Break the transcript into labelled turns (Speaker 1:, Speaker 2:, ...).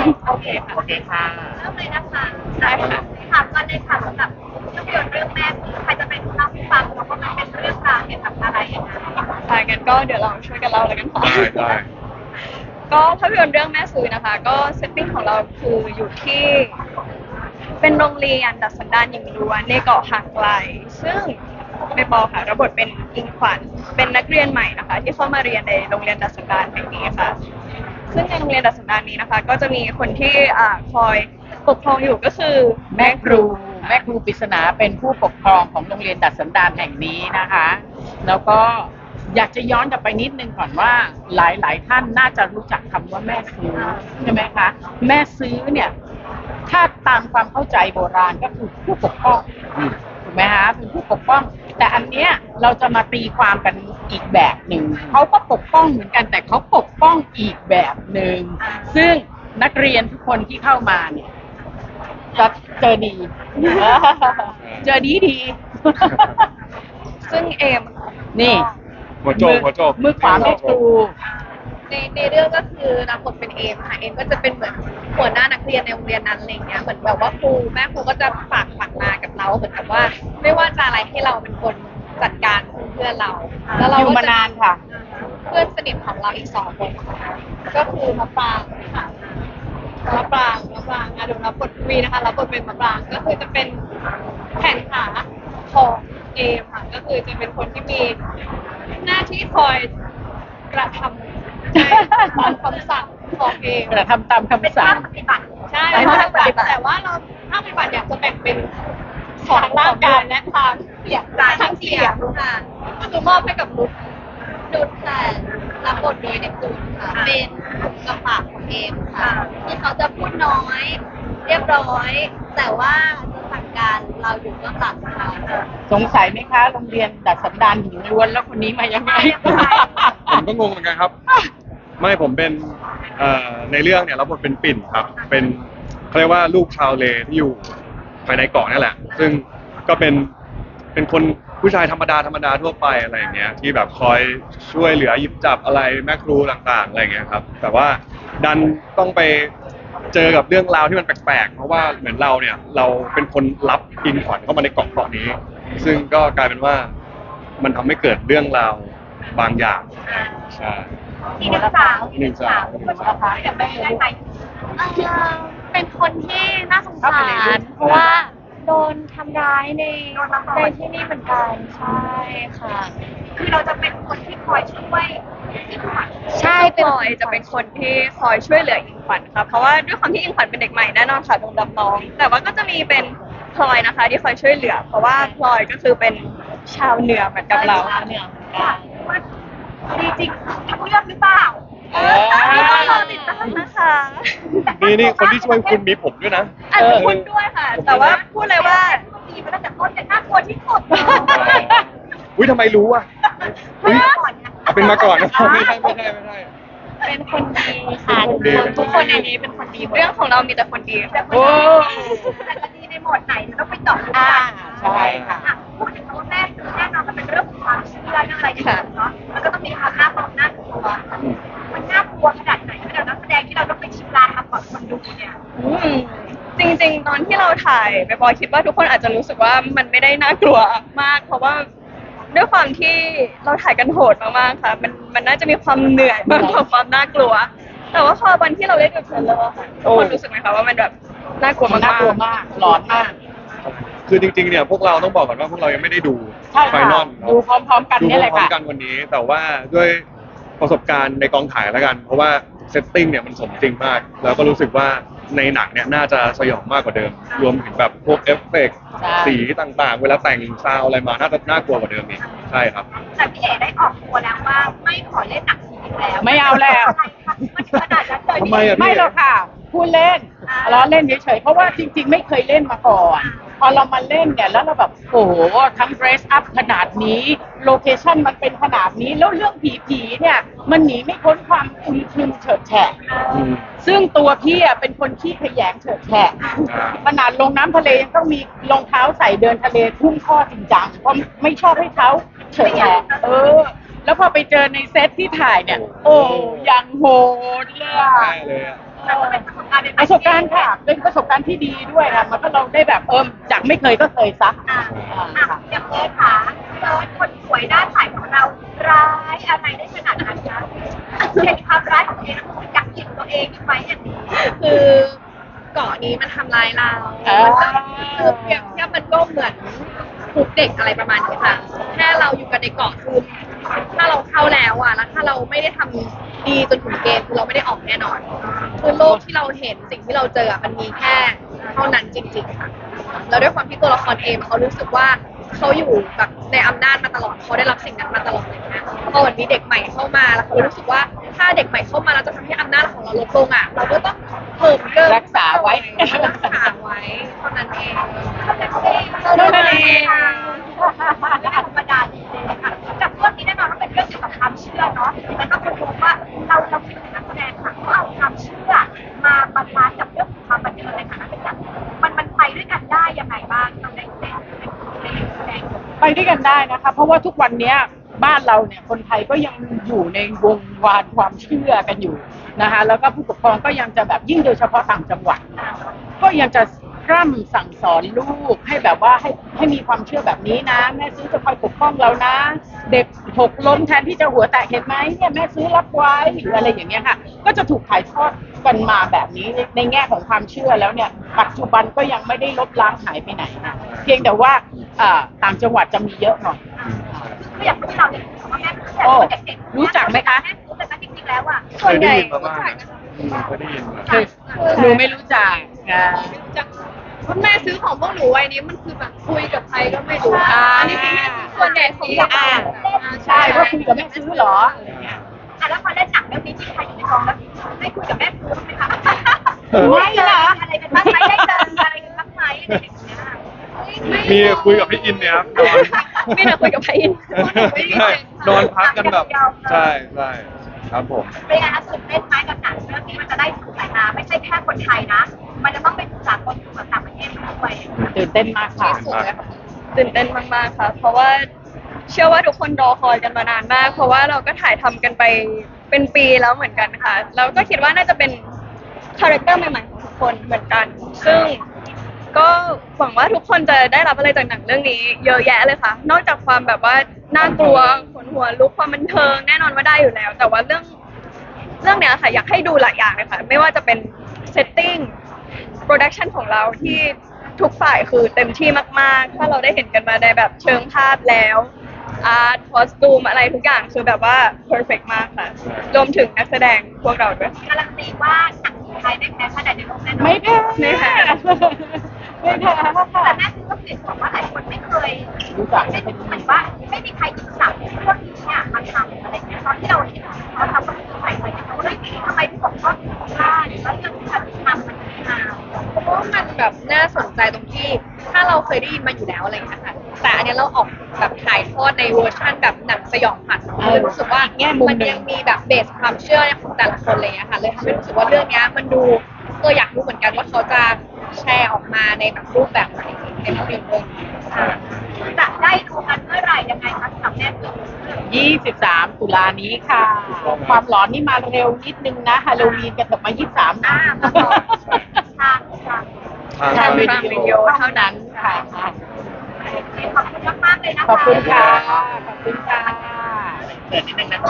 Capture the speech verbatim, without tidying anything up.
Speaker 1: โอเคค่ะ
Speaker 2: โอเคค่ะ
Speaker 3: เริ่มเลยนะคะ
Speaker 1: ได้ค่ะ
Speaker 3: ถามกันเลยค่ะสำหรับภาพยนตร์เรื่องแม่ใครจะเป็นผู้เล่าให้ฟังแล้วก็มันเป็นเรื่องราวเกี่ยวกับอะไรยังไง
Speaker 1: ค่ะงั้นก็เดี๋ยวเราช่วยกันเล่าแล้วกันค่ะ
Speaker 4: ได้ได้
Speaker 1: ก็ภาพยนตร์เรื่องแม่ซื้อนะคะ ก็เซตติ้งของเราคืออยู่ที่เป็นโรงเรียนดัดสันดานหญิงล้วนในเกาะห่างไกล ซึ่งเมปอค่ะรับบทเป็นอิงขวัญเป็นนักเรียนใหม่นะคะ ที่เข้ามาเรียนในโรงเรียนดัดสันดานแห่งนี้ค่ะ ซึ่งในโรงเรียนดัดสันดานนี้นะคะ ก็จะมีคนที่อ่าคอยปกครองอยู่ก็คือ
Speaker 2: แม่ครูแม่ครูปริศนาเป็นผู้ปกครองของโรงเรียนดัดสันดานแห่งนี้นะคะ แล้วก็อยากจะย้อนกลับไปนิดนึงก่อนว่าหลายๆท่านน่าจะรู้จักคำว่าแม่ซื้อใช่ไหมคะแม่ซื้อเนี่ยถ้าตามความเข้าใจโบราณก็คือผู้ปกป้องถูกไหมคะเป็นผู้ปกป้อง แต่อันเนี้ยเราจะมาตีความกันอีกแบบหนึ่งเขาก็ปกป้องเหมือนกันแต่เขาปกป้องอีกแบบหนึ่งซึ่งนักเรียนทุกคนที่เข้ามาเนี่ยจะเจอดี เจอดีดี
Speaker 1: ซึ่งเอม
Speaker 2: นี่
Speaker 4: หัวโจกหัวโจก
Speaker 2: มือขวาแม่ครู
Speaker 3: ในในเรื่องก็คือรับบทเป็นเอมค่ะเอมก็จะเป็นเหมือนหัวหน้านักเรียนในโรงเรียนนั้นอะไรเงี้ยเหมือนแบบว่าครูแม่ครูก็จะฝากฝังมากับเราเหมือนกับว่า ไม่ว่าจะอะไรให้เราเป็นคนจัดการเพื่อนเราแล้วเรา
Speaker 2: อยู่
Speaker 3: ก็
Speaker 2: มานานค่ะ
Speaker 3: เพื่อนสนิทของเราอีกสองคนค่ะก็คือมะปรางค่ะมะปรางมะปรางอ่ะเดี๋ยวรับบทวีนะคะรับบทเป็นมะปรางก็คือจะเป็นแขนขาของเอมค่ะก็คือจะเป็นคนที่มีหน้าที่คอยกระทำ ใช่ตามคำสั่งของเอง
Speaker 2: กระทำตามคำสั่ง
Speaker 3: ปฏิบัติใช่
Speaker 1: เป็นภาคปฏิบัติ
Speaker 3: แต่ว่าเราภาคปฏิบัติอยากจะแบ่งเป็นของร่างกายและทางเสียงทางเสียงค่ะก็คือมอบให้กับนุชนุชแต่รับบทโดยเนปจูนค่ะเป็นกระปากของเองค่ะที่เขาจะพูดน้อย เรียบร้อย แต่ว่าจะสั่งการเราอยู่เบื้องหลังค่ะ
Speaker 2: สงสัยไหมคะโรงเรียนดัดสันดานหญิงล้วนแล้วคนนี้มายังไง
Speaker 4: ผมก็งงเหมือนกันครับ ไม่ผมเป็นเอ่อในเรื่องเนี่ยรับบทเป็นปิ่นครับ เป็นเขาเรียกว่าลูกชาวเลที่อยู่ภายในเกาะนี่แหละ ซึ่งก็เป็นเป็นคนผู้ชายธรรมดาธรรมดาทั่วไปอะไรอย่างเงี้ยที่แบบคอยช่วยเหลือหยิบจับอะไรแม่ครูต่างๆอะไรอย่างเงี้ยครับ แต่ว่าดันต้องไปเจอกับเรื่องราวที่มันแปลกๆ เพราะว่าเหมือนเราเนี่ยเราเป็นคนรับอินขวัญเข้ามาในเกาะเกาะนี้ ซึ่งก็กลายเป็นว่ามันทำให้เกิดเรื่องราวบางอย่างใช่
Speaker 3: อีกหนึ่งสาว
Speaker 4: หนึ่งสาว
Speaker 3: คนสุดท้ายแต่ไม่ได้ใคร
Speaker 5: เอ่อเป็นคนที่น่าสงสารเพราะว่าโดนทำร้ายในในที่นี่เหมือนกันใช่ค่ะ
Speaker 3: คือเราจะเป็นคนที่คอยช่วยอีกฝ่าย
Speaker 5: ใช่
Speaker 1: พ
Speaker 5: เป็น
Speaker 1: ลอยจะเป็นคนที่คอยช่วยเหลืออิงขวัญค่ะเพราะว่าด้วยความที่อิงขวัญเป็นเด็กใหม่แน่นอนค่ะโดนรับน้อง แต่ว่าก็จะมีเป็นพลอยนะคะ ที่คอยช่วยเหลือ เพราะว่าพลอยก็คือเป็นชาวเหนือเหมือนกับเรา
Speaker 5: เนี่ย
Speaker 3: ดีจริงรู้เรื่องหรือเปล่า
Speaker 2: เออ
Speaker 1: รอติดตามนะคะ
Speaker 4: นี่นี่คนที่ช่วยคุณมีผมด้วยนะ
Speaker 1: อาจจะพูดด้วยค่ะ แต่ว่าพูดเลยว่า
Speaker 3: ดีมาตั้งแต่ต้นแต่น่ากลัวที่สุด
Speaker 4: อุ้ยทำไมรู้อ่ะอุ๊ยเอาเป็นมาก่อนนะไม่ใช่ไม่ใช่ไม่ใช่
Speaker 5: เป็นคนดีค่ะ
Speaker 4: เป็นคนดี
Speaker 5: ทุกคนในนี้เป็นคนดีหมด
Speaker 1: เรื่องของเรามีแต่คนดีค่ะ
Speaker 2: โอ้
Speaker 3: แต่จะดีในโหมดไหนจะต้องไปเจาะลึก
Speaker 2: อ่า
Speaker 3: กัน
Speaker 2: ใช่ค่ะ
Speaker 3: อ่ะพูดถึงคำว่าแม่ซื้อแน่นอนมันเป็นเรื่องของความเชื่อเรื่องอะไรอย่างเงี้ยเนาะมันก็ต้องมีความน่ากลัวน่ากลัวมันน่ากลัวขนาดไหนขนาดนักแสดงที่เราต้องไปชิมลางทำก่อนคนดูเนี่ย
Speaker 1: อืมจริงๆ ตอนที่เราถ่ายไปบอยคิดว่าทุกคนอาจจะรู้สึกว่ามันไม่ได้น่ากลัวมาก เพราะว่าด้วยความที่เราถ่ายกันโหดมากๆค่ะ มันมันน่าจะมีความเหนื่อยมากกว่าความน่ากลัว แต่ว่าพอวันที่เราเล่นกับเทรลเลอร์ค่ะทุกคนรู้สึกไหมคะว่ามันแบบน่ากลัว
Speaker 2: มัน
Speaker 1: มาก
Speaker 2: น่ากลัวมากหลอนมาก
Speaker 4: คือจริงๆเนี่ยพวกเราต้องบอกก่อนว่าพวกเรายังไม่ได้ดู
Speaker 2: ใช่
Speaker 4: ไฟ
Speaker 2: ค่ะ
Speaker 4: นอล
Speaker 2: ดูพร้อมๆกัน
Speaker 4: ดู
Speaker 2: เนี่ยแหละ
Speaker 4: พร้อ
Speaker 2: ค่ะ
Speaker 4: มๆกันวันนี้ แต่ว่าด้วยประสบการณ์ในกองถ่ายแล้วกัน เพราะว่าเซตติ้งเนี่ยมันสมจริงมาก แล้วก็รู้สึกว่าในหนังเนี่ยน่าจะสยองมากกว่าเดิม รวมถึงแบบพวกเอฟเฟกต์
Speaker 2: ใช่
Speaker 4: สีต่างๆ เวลาแต่งซาวอะไรมาน่าจะน่ากลัวกว่าเดิมอีกใช่ครับ
Speaker 3: แต่พี่เอ๋ได้ออกตัวแล้วว่าไม่ขอเล่นหนังผีอีกแล้ว
Speaker 2: ไม่เอาแล้ว
Speaker 3: มันขนาดนั้นเลย
Speaker 4: ทำไมอะ
Speaker 2: ไม่หรอกค่ะพูดเล่นล้อเล่นเฉยๆเพราะว่าจริงๆ ไม่เคยเล่นมาก่อน พอเรามาเล่นเนี่ยแล้วเราแบบโอ้โหทั้ง dress up ขนาดนี้โลเคชั่นมันเป็นขนาดนี้แล้วเรื่องผีๆเนี่ยมันหนีไม่พ้นความอึมครึมเฉิดแฉะ
Speaker 4: อืม
Speaker 2: ซึ่งตัวพี่อะเป็นคนขี้ขยงเฉิดแฉะขนาดลงน้ำทะเลยังต้องมีรองเท้าใส่เดินทะเลทุ่งข้อจริงจังเพราะไม่ชอบให้เท้าเฉิดแฉะเออ แล้วพอไปเจอในเซตที่ถ่ายเนี่ย โอ้ยังโหดเลยอะ
Speaker 4: ได้เลยอะ
Speaker 3: แต่ว่าเป็นประสบการณ์การณ์เป็น
Speaker 2: ประสบการณ์ค่ะ เป็นประสบการณ์ที่ดีด้วยค่ะมันก็เราได้แบบเอิมจากไม่เคยก็เคยซะ
Speaker 3: อ่า
Speaker 2: อ่า
Speaker 3: อ่ะ
Speaker 2: ค่ะ
Speaker 3: อย่างเอิร์ธค่ะเอิร์ธคนสวยด้านฝ่ายของเราร้ายอะไรได้ขนาดนั้นคะเห็นความร้ายของตัวเองแล้วอยากกินตัวเองไหมอย่างนี้
Speaker 1: คือเกาะนี้มันทำร้ายเรา
Speaker 2: อ่า
Speaker 1: มันก็คือเปรียบเทียบมันก็เหมือนคุกเด็กอะไรประมาณนี้ค่ะ แค่เราอยู่กันในเกาะคือถ้าเราเข้าแล้วอ่ะ แล้วถ้าเราไม่ได้ทำดีจนถึงเกณฑ์คือเราไม่ได้ออกแน่นอน คือโลกที่เราเห็นสิ่งที่เราเจออะมันมีแค่เท่านั้นจริงๆค่ะ แล้วด้วยความที่ตัวละครเองเขารู้สึกว่าเขาอยู่แบบในอำนาจมาตลอดเขาได้รับสิ่งนั้นมาตลอดเลยนะพอวันนี้เด็กใหม่เข้ามาแล้วเขารู้สึกว่าถ้าเด็กใหม่เข้ามาเราจะทำให้อำนาจของเราลดลงอ่ะเราก็ต้องเพิ่มเกิน
Speaker 2: รักษาไว้
Speaker 1: รักษาไว้เท่านั้นเอง
Speaker 3: เท่านั้นเอง
Speaker 1: เท่านั้นเอง
Speaker 3: และธรรมดาดีเลยค่ะกับเรื่องนี้แน่นอนว่าเป็นเรื่องเกี่ยวกับความเชื่อเนาะแล้วก็คนรู้ว่าเราเราเป็นนักแสดงค่ะก็เอาความเชื่อมาบาลานซ์กับเรื่องของความบันเทิงในฐานะเป็นนักมันมันไปด้วยกันได้ยังไงบ้างเราในในในแสดง
Speaker 2: ไปด้วยกันได้นะคะ เพราะว่าทุกวันเนี้ยบ้านเราเนี่ยคนไทยก็ยังอยู่ในวงวานความเชื่อกันอยู่นะคะ แล้วก็ผู้ปกครองก็ยังจะแบบยิ่งโดยเฉพาะต่างจังหวัด ก็ยังจะร่ำสั่งสอนลูกให้แบบว่าให้ให้มีความเชื่อแบบนี้นะ แม่ซื้อจะคอยปกป้องเรานะ เด็กหกล้มแทนที่จะหัวแตกเห็นไหมเนี่ยแม่ซื้อรับไว้หรืออะไรอย่างเงี้ยค่ะ ก็จะถูกถ่ายทอดกันมาแบบนี้ในในแง่ของความเชื่อแล้วเนี่ยปัจจุบันก็ยังไม่ได้ลบล้างหายไปไหนนะเพียงแต่ว่าอ่าต่างจังหวัดจะมีเยอะหน่อย
Speaker 3: คืออยากรู้เราเนี่ยว่าแม่แต่
Speaker 2: โอ้
Speaker 3: เด็กๆ
Speaker 2: รู้จักไหมคะ
Speaker 3: แม่รู้แต่จริงๆแล้วอ่ะ
Speaker 4: เคยได้ยินมาบ้างนะอืมเคยได้ยินมา
Speaker 2: คือหนูไม่รู้จักอ่า
Speaker 1: จากคุณแม่ซื้อของพวกหนูไว้นี้มันคือแบบคุยกับใครก็ไม่รู้
Speaker 2: อ่า
Speaker 1: อันนี้คือแม่ส่วนใหญ่ของจะอ่าน
Speaker 2: ใช่ว่าคุยกับแม่ซื้อเหรออะไรเงี้ย
Speaker 3: อ่ะแล้วพอเล่นหนังเรื่องนี้จริงใครอยู่ในกองแล้วได้คุยกับแม่ครูบ้างไหมคะ
Speaker 2: ไม่นะ
Speaker 3: อะไรกันบ้างไหมได้เจออะไรกันบ้างไหมอะไรอย่างเงี้ย
Speaker 4: มีคุยกับพี่อินเนี่ยครับนอน
Speaker 1: ไม่น่าคุยกับใครอิน
Speaker 4: ใช่นอนพักกันแบบใช่ใช่ครับผม
Speaker 3: เป็นไงคะตื่นเต้นไหมกับหนังเรื่องนี้มันจะได้สู่สายตาไม่ใช่แค่คนไทยนะ มันจะต้องเป็นสากลสู่ต่างประเทศด้วย
Speaker 2: ตื่นเต้นมากค่ะ
Speaker 1: ตื่นเต้นมากๆค่ะ เพราะว่าเชื่อว่าทุกคนรอคอยกันมานานมาก เพราะว่าเราก็ถ่ายทำกันไปเป็นปีแล้วเหมือนกันค่ะ แล้วก็คิดว่าน่าจะเป็นคาแรคเตอร์ใหม่ๆของทุกคนเหมือนกัน ซึ่งก็หวังว่าทุกคนจะได้รับอะไรจากหนังเรื่องนี้ เยอะแยะเลยค่ะ นอกจากความแบบว่าน่ากลัวขนหัวลุกความบันเทิงแน่นอนว่าได้อยู่แล้ว แต่ว่าเรื่องเรื่องเนี้ยค่ะอยากให้ดูหลายอย่างเลยค่ะ ไม่ว่าจะเป็นเซตติ้งโปรดักชันของเราที่ทุกฝ่ายคือเต็มที่มากๆ ถ้าเราได้เห็นกันมาในแบบเชิงภาพแล้วอาร์ตคอสตูมอะไรทุกอย่างคือแบบว่าเพอร์เฟกมากค่ะ รวมถึงนักแสดงพวกเราด้วย
Speaker 3: การันตีว่าหนังไทยไม่แพ้ชาติใดในโลกแน่นอน
Speaker 2: ไม่แพ้
Speaker 1: ไม่แพ้
Speaker 2: ไม่แพ้
Speaker 3: แต่แม่คือก็เปลี่ยนบอกว่าหลายคนไม่เคย
Speaker 2: รู้จัก
Speaker 3: ไม่เหมือนว่าไม่มีใครหยิบจับพวกนี้เนี่ยมาทำอะไรเงี้ยตอนที่เราเห็นเขาทำก็คือใส่เลยเขาเลยทำไมพี่บอกว่าพลาดแล้วเรื่องที่ทำทำมันมา
Speaker 1: เพราะว่ามันแบบน่าสนใจตรงที่ถ้าเราเคยได้ยินมาอยู่แล้วอะไรอย่างเงี้ยค่ะแต่อันเนี้ยเราออกแบบถ่ายทอดในเวอร์ชั่นแบบหนังสยองขวัญเราเลยรู้สึกว่า
Speaker 2: แง่มุม
Speaker 1: มัน
Speaker 2: หนึ่ง
Speaker 1: ยังมีแบบเบสความเชื่อของแต่ละคนอะไรเลยอะค่ะเลยทำให้รู้สึกว่าเรื่องเนี้ยมันดูเอออยากรู้เหมือนกันว่าเขาจะแชร์ออกมาในแบบรูปแบบไหนในภาพยนตร์เรื่องนี้
Speaker 3: จะได้ดูกันเมื่อไหร่ยังไงคะสำหรับแม่คือ
Speaker 2: ยี่สิบสามตุลานี้ค่ะ ความหลอนนี่มาเร็วนิดนึงนะฮาโลวีนกันเถอะมายี่สิบสามนะ
Speaker 3: อ่ามาต่อทางทาง
Speaker 4: ทาง
Speaker 2: ทาง
Speaker 1: วิ
Speaker 2: วิ
Speaker 1: ดี
Speaker 2: ดี
Speaker 1: โอ
Speaker 2: โอเท่านั้นค่ะ
Speaker 3: ขอบคุณมากๆเลยนะคะ
Speaker 2: ขอบคุณค่ะ ขอบคุณค่ะ